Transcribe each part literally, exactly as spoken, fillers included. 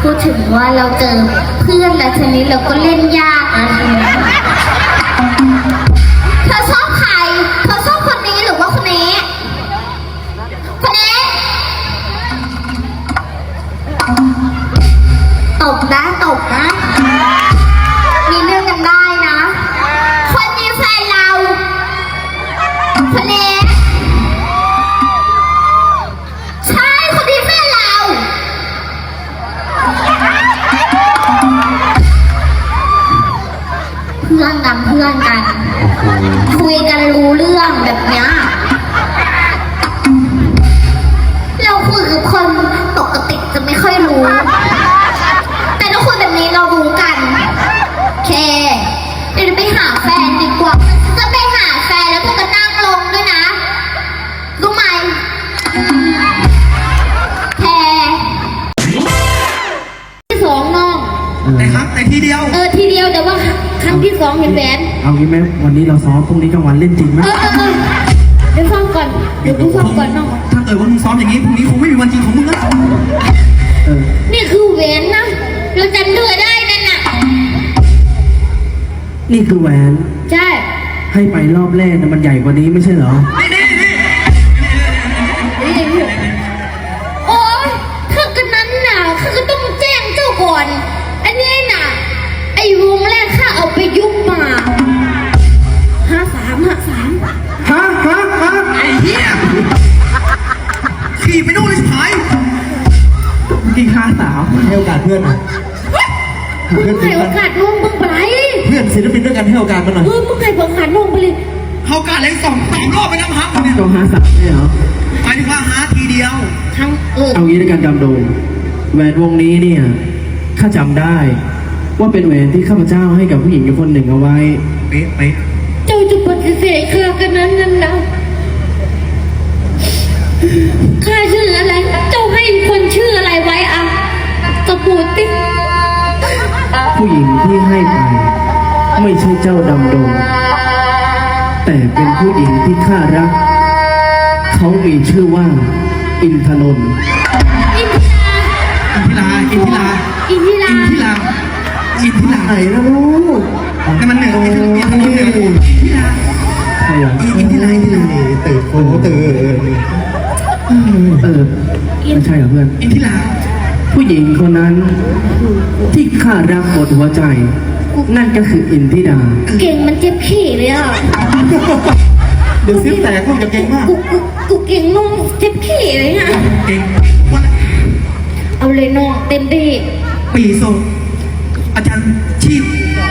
พูดถึงว่าเราเจอเพื่อนแล้วทีนี้เราก็เล่นยากนะทีนี้เธอชอบใครเธอชอบคนนี้หรือว่าคนนี้คนนี้ตบนะตบนะมีเรื่องกันได้นะคนนี้แฟนเราคนนี้ใช่คนนี้แฟนเราเพื่อนกันเพื่อนกันคุยกันรู้เรื่องแบบเนี้ยเราคุยกับคนปกติจะไม่ค่อยรู้แต่ถ้าคุยแบบนี้เรารู้กันเคเดี๋ยวไปหาแฟนดีกว่าจะไปหาแฟนแล้วพวกก็นั่งลงด้วยนะรู้ไหมแคที่สองน้องแต่ครับแต่ทีเดียวเออทีเดียวแต่ว่าครั้งที่สองเห็นแหวนเอางี้ไหมวันนี้เราซ้อมพรุ่งนี้กลางวันเล่นจริงไหมเออเออเออเดี๋ยวซ้อมก่อนเดี๋ยวกูซ้อมก่อนน้องถ้าเกิดว่ามึงซ้อมอย่างนี้พรุ่งนี้คงไม่มีวันจริงของมึงแล้วเออนี่คือแหวนนะเราจำเดือได้นั่นน่ะนี่คือแหวนใช่ให้ไปรอบแรกนะมันใหญ่กว่านี้ไม่ใช่เหรอนี่นี่นี่โอ๊ยถ้ากันนั้นน่ะข้าก็ต้องแจ้งเจ้าก่อนอันนี้น่ะไอ้วงแรกข้าเอาไปยุบมาห้าสามห้าสามฮะฮะฮะไอ้เหี้ยขี่ไปนู่นเลยหายกี่ห้าสาวให้โอกาสเพื่อนเพื่อนให้โอกาสน้องมึงไปเพื่อนศิลปินด้วยกันให้โอกาสมันหน่อยเออมึงให้โอกาสน้องไปเลยเขาการเล่นสองสามรอบไปน้ำฮักเนี่ยจงหาสาวเนี่ยเหรอหมายถึงว่าหาทีเดียวทั้งเออเอางี้ด้วยกันจำโดงแหวนวงนี้เนี่ยข้าจำได้ว่าเป็นแหวนที่ข้าพเจ้าให้กับผู้หญิงคนหนึ่งเอาไว้เป๊ะเป๊ะเจ้าจะปฏิเสธข้ากันนั้นนั่นนะข้าชื่ออะไรเจ้าให้คนชื่ออะไรไว้อ่ะกระปูติ๊กผู้หญิงที่ให้ไปไม่ใช่เจ้าดำดงแต่เป็นผู้หญิงที่ข้ารักเขามีชื่อว่าอินทนนท์อินทิราอินทิราอินทิราอินทิราอินทิราไหนนะลูกแต่มันเหนื่อยอินทิราอินทิราใช่เหรออินทิราอินทิราตื่นโอ้ตื่นเออไม่ใช่เหรอเพื่อนอินทิราผู้หญิงคนนั้นที่ข้ารักหมดหัวใจนั่นก็คืออินทิดาเก่งมันเจ็บขี้เลยอ่ะเดี๋ยวซิ้วแตกพวกจะเก่งมากกูกูกูเก่งน้องเจ็บขี้เลยอ่ะเก่งเอาเลยน้องเต็มที่ปีโซอาจารย์ชีพ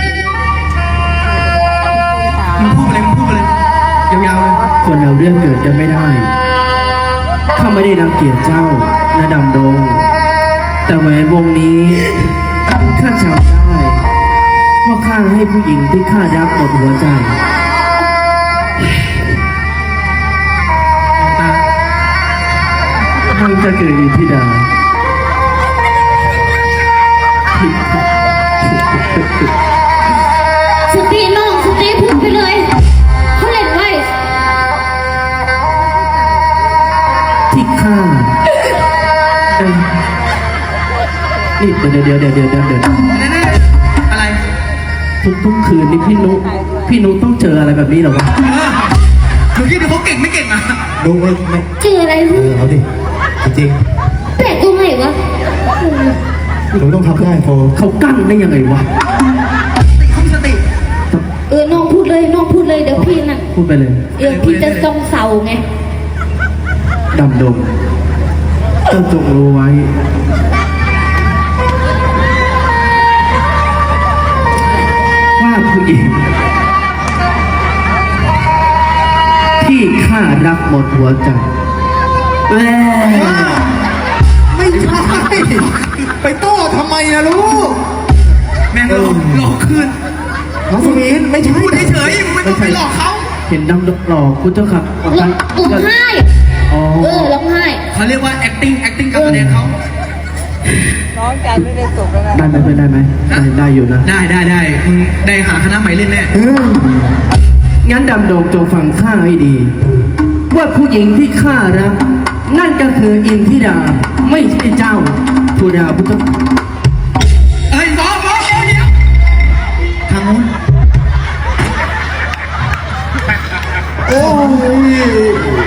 มึงพูดอะไรมึงพูดอะไรยาวๆเลยคนเราเรื่องเกิดกันไม่ได้ข้าไม่ได้รังเกียจเจ้านะดำดงแต่แหวนวงนี้ข้าจำได้ว่าข้าให้ผู้หญิงที่ข้ารักหมดหัวใจมันจะเกิดอินทิดาสตีน้องสตีพูดไปเลยเขาเล่นไว้ที่ข้านี่เดี๋ยวเดี๋ยวเดี๋ยวเดี๋ยวเดี๋ยวเดี๋ยวอะไรทุกทุกคืนนี่พี่นุพี่นุต้องเจออะไรแบบนี้หรอวะเดี๋ยวคิดดูเขาเก่งไม่เก่งอ่ะดูไม่ไม่เจออะไรเออเอาดิจริงแปลกตรงไหนวะหนูต้องทำได้โฟเขากั้นได้ยังไงวะติเขาสติเออน้องพูดเลยน้องพูดเลยเดี๋ยวพี่น่ะพูดไปเลยเออพี่จะจ้องเสาไงดำดงเจ้าจงรู้ไว้ว่าผู้หญิงที่ข้ารักหมดหัวใจแม่ไม่ใช่ไปโต้ทำไมนะลูกแม่งหลอกหลอกคืนน้องสมินไม่ใช่พูดเฉยๆไม่ต้องไปหลอกเขาเห็นดำดงหลอกคุณเจ้าค่ะร้องไห้เออร้องไห้เขาเรียกว่า acting acting การแสดงเขาน้องใจไม่ได้ตกแล้วนะได้ไหมเพื่อนได้ไหมได้ได้อยู่นะได้ได้ได้มึงได้หาคณะใหม่เล่นแน่งั้นดำดงจงฟังข้าให้ดีว่าผู้หญิงที่ข้ารักนั่นก็คืออินทิดาไม่ใช่เจ้าธุดาพุทธโอ้ย